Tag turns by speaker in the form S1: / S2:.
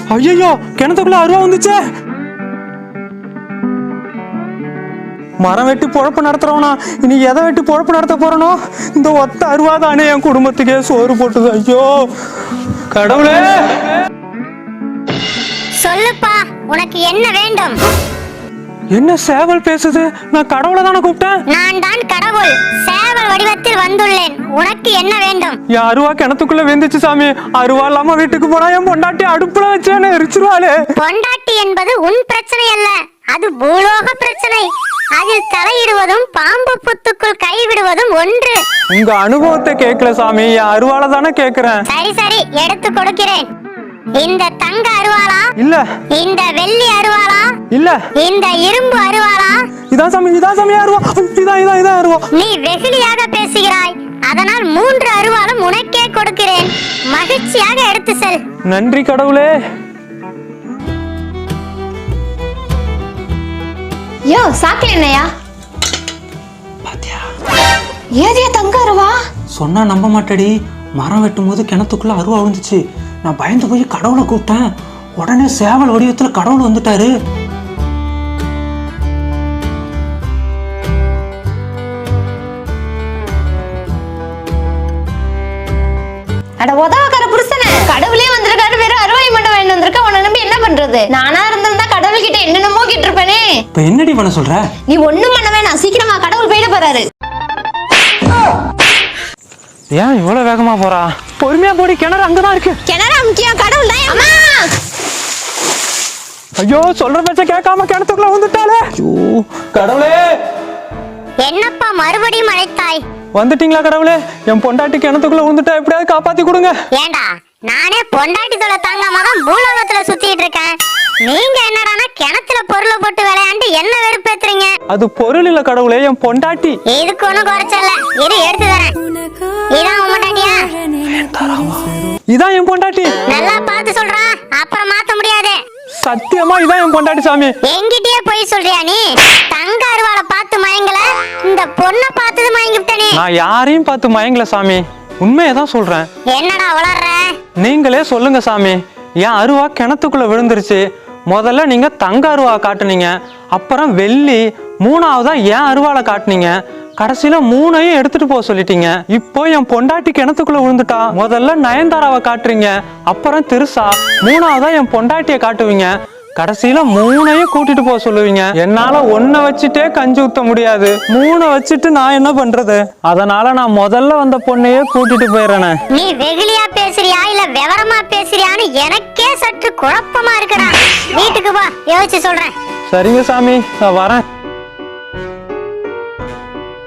S1: ஐயோ கிணத்துக்குள்ள அருவா வந்துச்சே. மரம் வெட்டி பொழப்பு நடத்துறவனா இனி எதை வெட்டி பொழப்பு நடத்த போறனோ? இந்த ஒத்த அருவா தானே என் குடும்பத்துக்கே சோறு போட்டுது. ஐயோ கடவுளே.
S2: சொல்லுப்பா, உனக்கு என்ன வேண்டும்?
S1: என்ன சேவல் பேசுது? நான் கடவுளை தானே கூப்பிட்டேன்.
S2: நான் தான் கடவுள், சேவல் வடிவத்தில் வந்துள்ளேன். உனக்கு என்ன வேண்டும்?
S1: என் அருவா கிணத்துக்குள்ள வெந்துச்சு சாமி. அருவா இல்லாம வீட்டுக்கு போனா என் பொண்டாட்டி அடுப்புல வச்சேன்னு எரிச்சிருவாளே.
S2: பொண்டாட்டி என்பது உன் பிரச்சனை அல்ல, அது பூலோக பிரச்சனை. அதில் தலையிடுவதும் பாம்பு புத்துக்குள் கைவிடுவதும் ஒன்று.
S1: உங்க அனுபவத்தை கேட்கல சாமி, என் அருவால தானே கேக்குறேன்.
S2: சரி சரி, எடுத்து கொடுக்கிறேன். இந்த தங்க அருவாளா?
S1: இல்ல.
S2: இந்த வெள்ளி அருவாளா?
S1: இல்ல.
S2: இந்த இரும்பு அருவாளா?
S1: இதான் சாமி அருவா. இதான் அருவா.
S2: நீ வெகுளியாக பேசுகிறாய், அதனால் 3 அருவாளும் உனக்கே கொடுக்கிறேன். மகிழ்ச்சியாக எடுத்து செல்.
S1: நன்றி கடவுளே.
S3: யோ சாக்கல என்னையா?
S1: பாத்தியா?
S3: ஏதியா தங்க அருவா?
S1: சொன்னா நம்ப மாட்டடி. மரம் வெட்டும் போது கிணத்துக்குள்ள அருவா விழுந்துச்சு. நான் பயந்து போய் கடவுளை கூப்பிட்டேன். உடனே சேவல் வடிவத்துல கடவுள் வந்துட்டாரு.
S3: அட உதவக்கார புருஷனே, கடவுளே வந்திருக்காரு, வேற அருவாய் மட்டும் வாங்கிட்டு வந்திருக்க. உன்னை நம்பி என்ன பண்றது? நானா இருந்திருந்தா கடவுள் கிட்ட என்னென்னமோ கேட்டிருப்பேனே.
S1: இப்ப என்னடி பண்ண சொல்ற?
S3: நீ ஒண்ணும் பண்ண வேணாம், சீக்கிரமா கடவுள் போயிட போறாரு.
S1: ஏன் இவ்வளவு வேகமா போறா? பொறுமையா போடி, கிணறு அங்கதான் இருக்கு.
S3: கிணறு முக்கியம், கடவுள் தான். அம்மா
S1: ஐயோ சொல்ற பேச்ச கேட்காம கிணத்துக்குள்ள வந்துட்டாளே. ஐயோ கடவுளே.
S2: என்னப்பா மறுபடியும் அழைத்தாய்?
S1: வந்துட்டீங்களா கடவுளே? என் பொண்டாட்டி கிணத்துக்குள்ள விழுந்துட்டா, எப்படியாவது காப்பாத்தி கொடுங்க.
S2: ஏண்டா, நானே பொண்டாட்டி தொலை தாங்காம தான் பூலோகத்துல சுத்திட்டு இருக்கேன். நீங்க என்னடானா கிணத்துல பொருளை போட்டு விளையாண்டு என்ன வெறுப்பேத்துறீங்க?
S1: அது பொருள் இல்ல கடவுளே, என் பொண்டாட்டி.
S2: இதுக்கு ஒண்ணும் குறைச்சல, இரு எடுத்து தரேன். இதான் உன் பொண்டாட்டியா?
S1: இதான் என் பொண்டாட்டி.
S2: நல்லா பார்த்து சொல்றா, அப்புறம் மாத்த முடியாது.
S1: சத்தியமா இதான் என் பொண்டாட்டி சாமி.
S2: எங்கிட்டயே போய் சொல்றியா நீ? தங்க அருவாளை பார்த்து மயங்கல, இந்த பொண்ணை பார்த்தது மயங்கிட்டனே.
S1: நான் யாரையும் பார்த்து மயங்கல சாமி, உண்மையதான் சொல்றேன்.
S2: என்னடா வளர்ற?
S1: நீங்களே சொல்லுங்க சாமி. என் அருவா கிணத்துக்குள்ள விழுந்துருச்சு. முதல்ல நீங்க தங்க அருவா காட்டுனீங்க, அப்புறம் வெள்ளி, 3ஆவதா என் அருவாளை காட்டுனீங்க. கடைசியில 3ஐயும் எடுத்துட்டு போக சொல்லிட்டீங்க. இப்போ என் பொண்டாட்டி கிணத்துக்குள்ள விழுந்துட்டா. முதல்ல நயன்தாராவை காட்டுறீங்க, அப்புறம் திருசா, 3ஆவதா என் பொண்டாட்டிய காட்டுவீங்க. கடைசியில 3ஐயும் கூட்டிட்டு போக சொல்லுவீங்க. என்னால 1 வச்சுட்டே கஞ்சி ஊத்த முடியாது, 3 வச்சுட்டு நான் என்ன பண்றது? அதனால நான் முதல்ல வந்த பொண்ணையே கூட்டிட்டு போயிடுறேன்.
S2: நீ வெகுளியா பேசுறியா இல்ல விவரமா பேசுறியான்னு எனக்கே சற்று குழப்பமா இருக்குடா. வீட்டுக்கு வா, யோசிச்சு சொல்றேன்.
S1: சரிங்க சாமி, நான் வரேன்.